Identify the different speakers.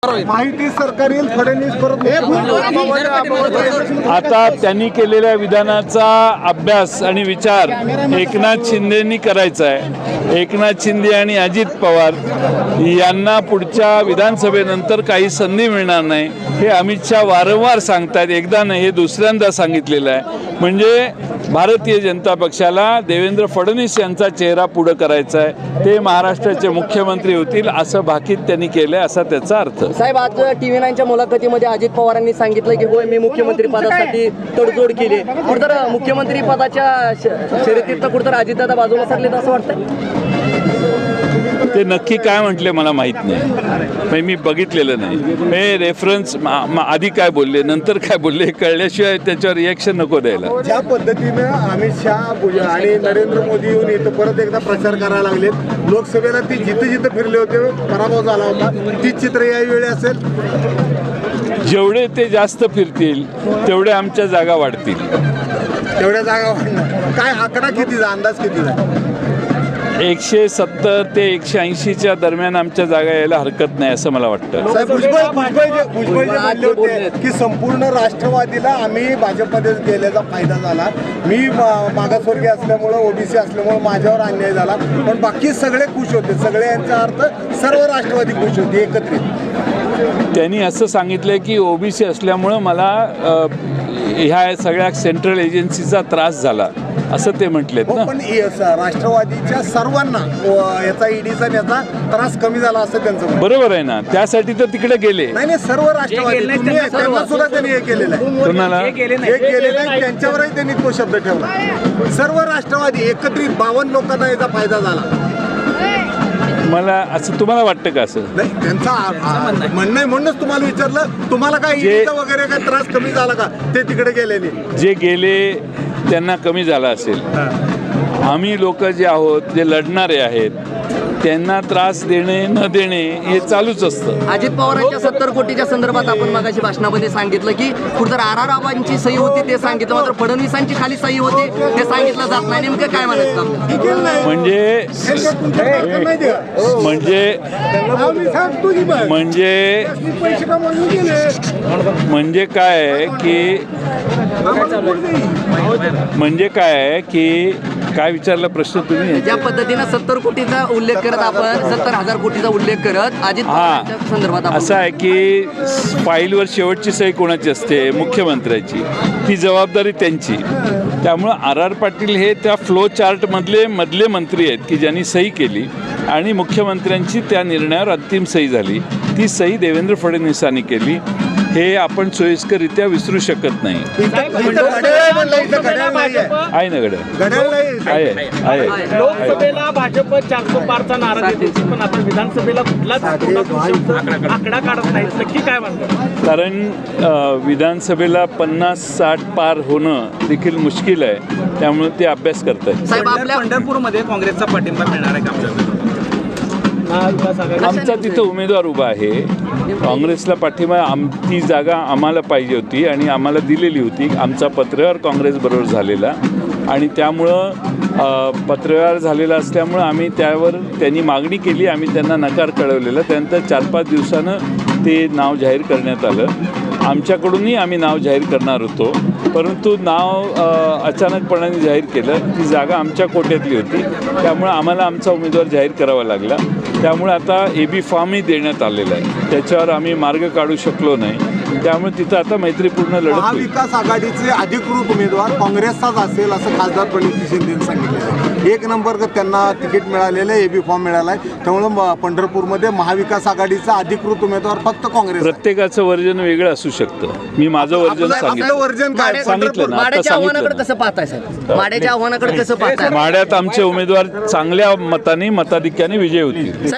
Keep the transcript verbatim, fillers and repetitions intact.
Speaker 1: माहिती सरकारी फडणवीस परत
Speaker 2: आता त्यांनी केलेल्या विधानाचा अभ्यास आणि विचार एकनाथ शिंदेंनी करायचा आहे। एकनाथ शिंदे आणि अजित पवार यांना पुढच्या विधानसभेनंतर काही संधी मिळणार नाही हे अमित शहा वारंवार सांगतात। एकदा नाही, हे दुसऱ्यांदा सांगितलेलं आहे। म्हणजे भारतीय जनता पक्षाला देवेंद्र फडणवीस यांचा चेहरा पुढे करायचा आहे, ते महाराष्ट्राचे मुख्यमंत्री होतील असं भाकीत त्यांनी केलं असा त्याचा अर्थ।
Speaker 3: साहेब, आज टीव्ही नाईनच्या मुलाखतीमध्ये अजित पवारांनी सांगितलं की होय, मी मुख्यमंत्री पदासाठी तडजोड केली। कुठतर मुख्यमंत्री पदाच्या शर्यतीत कुठतर अजितदादा बाजूला सरलेत असं वाटतं?
Speaker 2: ते नक्की काय म्हटले मला माहीत नाही, मी बघितलेलं नाही। हे रेफरन्स आधी काय बोलले नंतर काय बोलले कळल्याशिवाय त्याच्यावर रिॲक्शन नको द्यायला।
Speaker 1: ज्या पद्धतीनं अमित शहा आणि नरेंद्र मोदी येऊन इथं परत एकदा प्रचार करायला लागलेत, लोकसभेला ती जिथं जिथं फिरले होते पराभव झाला होता, तीच चित्र यावेळी असेल।
Speaker 2: जेवढे ते जास्त फिरतील तेवढे आमच्या जागा वाढतील।
Speaker 1: तेवढ्या जागा वाढणार काय? आकडा कितीचा, अंदाज कितीचा?
Speaker 2: एकशे सत्तर ते एकशे ऐंशीच्या दरम्यान आमच्या जागा यायला हरकत नाही असं मला वाटतं।
Speaker 1: साहेब, भुजबळ भुजबळ जे भुजबळ जे म्हणले होते की संपूर्ण राष्ट्रवादीला आम्ही भाजपमध्ये गेल्याचा फायदा झाला, मी मागासवर्गीय असल्यामुळं ओबीसी असल्यामुळं माझ्यावर अन्याय झाला, पण बाकी सगळे खुश होते, सगळे यांचा अर्थ सर्व राष्ट्रवादी खुश होते एकत्रित।
Speaker 2: त्यांनी असं सांगितलं की ओबीसी असल्यामुळं मला ह्या सगळ्या सेंट्रल एजन्सीचा त्रास झाला असं ते म्हटलेत ना।
Speaker 1: पण राष्ट्रवादीच्या सर्वांना याचा ईडीचा याचा त्रास कमी झाला असं त्यांचं म्हणणं।
Speaker 2: बरोबर आहे ना, त्यासाठी तर तिकडे गेले।
Speaker 1: नाही नाही, सर्व राष्ट्रवादी त्यांना सुद्धा त्यांनी हे केलेलं आहे।
Speaker 2: कोणाला
Speaker 1: हे केलेलं आहे, त्यांच्यावरही त्यांनी तो शब्द ठेवला। सर्व राष्ट्रवादी एकत्रित बावन्न लोकांना याचा फायदा झाला।
Speaker 2: मला असं तुम्हाला वाटतं का? असं
Speaker 1: नाही, त्यांचा म्हणणं आहे म्हणूनच तुम्हाला विचारलं, तुम्हाला काय ईडीचा वगैरे काय त्रास कमी झाला का? ते तिकडे गेलेले
Speaker 2: जे गेले त्यांना कमी झाला असेल। आम्ही लोक जे आहोत, जे लढणारे आहेत, त्यांना त्रास देणे न देणे हे चालूच असतं।
Speaker 3: अजित पवारांच्या सत्तर कोटीच्या संदर्भात आपण मगाशी भाषणामध्ये सांगितलं की कुठतर आर आर रावांची सही होती ते सांगितलं, मात्र फडणवीसांची खाली सही होती ते सांगितलं जात नाही। नेमकं काय म्हणायचं?
Speaker 2: म्हणजे म्हणजे म्हणजे म्हणजे काय आहे की म्हणजे काय आहे की काय विचारला प्रश्न तुम्ही?
Speaker 3: ज्या पद्धतीनं सत्तर कोटीचा उल्लेख करत आपण सत्तर हजार कोटीचा उल्लेख करत अजित पवारांच्या संदर्भात
Speaker 2: असं आहे की फाईलवर शेवटची सही कोणाची असते? मुख्यमंत्र्याची, ती जबाबदारी त्यांची। त्यामुळं आर आर पाटील हे त्या फ्लो चार्टमधले मधले मंत्री आहेत की ज्यांनी सही केली आणि मुख्यमंत्र्यांची त्या निर्णयावर अंतिम सही झाली। ती सही देवेंद्र फडणवीसांनी केली, हे आपण सोयीस्कररित्या विसरू शकत नाही। आहे ना घड्याळ? आहे आहे।
Speaker 4: लोकसभेला भाजप चारशे पारचा नारा देते, पण आपण विधानसभेला कुठलाच आकडा काढत नाही, नक्की काय म्हणतात?
Speaker 2: कारण विधानसभेला पन्नास साठ पार होणं देखील मुश्किल आहे, त्यामुळे ते अभ्यास करत आहेत।
Speaker 3: साहेब, आपल्या
Speaker 4: पंढरपूरमध्ये काँग्रेसचा पाठिंबा मिळणार आहे का?
Speaker 2: आमचा तिथं उमेदवार उभा आहे, काँग्रेसला पाठिंबा आम ती जागा आम्हाला पाहिजे होती आणि आम्हाला दिलेली होती। आमचा पत्रव्यवहार काँग्रेसबरोबर झालेला आणि त्यामुळं पत्रव्यवहार झालेला असल्यामुळं आम्ही त्यावर त्यांनी मागणी केली, आम्ही त्यांना नकार कळवलेला। त्यानंतर चार पाच दिवसानं ते नाव जाहीर करण्यात आलं। आमच्याकडूनही आम्ही नाव जाहीर करणार होतो, परंतु नाव अचानकपणाने जाहीर केलं। ती जागा आमच्या कोट्यातली होती, त्यामुळे आम्हाला आमचा उमेदवार जाहीर करावा लागला। त्यामुळे आता ए बी फॉर्मही देण्यात आलेला आहे, त्याच्यावर आम्ही मार्ग काढू शकलो नाही, त्यामुळे तिथं आता मैत्रीपूर्ण लढत होईल।
Speaker 1: महाविकास आघाडीचे अधिकृत उमेदवार काँग्रेसचाच असेल असं खासदार प्रणिती शिंदेंनी सांगितलं आहे। एक नंबर त्यांना तिकीट मिळालेलं आहे, ए बी फॉर्म मिळाला आहे, त्यामुळे पंढरपूरमध्ये महाविकास आघाडीचा अधिकृत उमेदवार फक्त काँग्रेस।
Speaker 2: प्रत्येकाचं वर्जन वेगळं असू शकतं, मी माझं वर्जन सांगितलं।
Speaker 1: वर्जन काय
Speaker 2: सांगितलं ना, आता
Speaker 3: माड्याच्या आव्हानाकडे
Speaker 2: सांगितलं
Speaker 3: कसं पाहताय साहेब? माड्याच्या आव्हानाकडे कसं पाहताय?
Speaker 2: माड्यात आमचे उमेदवार चांगल्या मताने मताधिक्याने विजय होतील।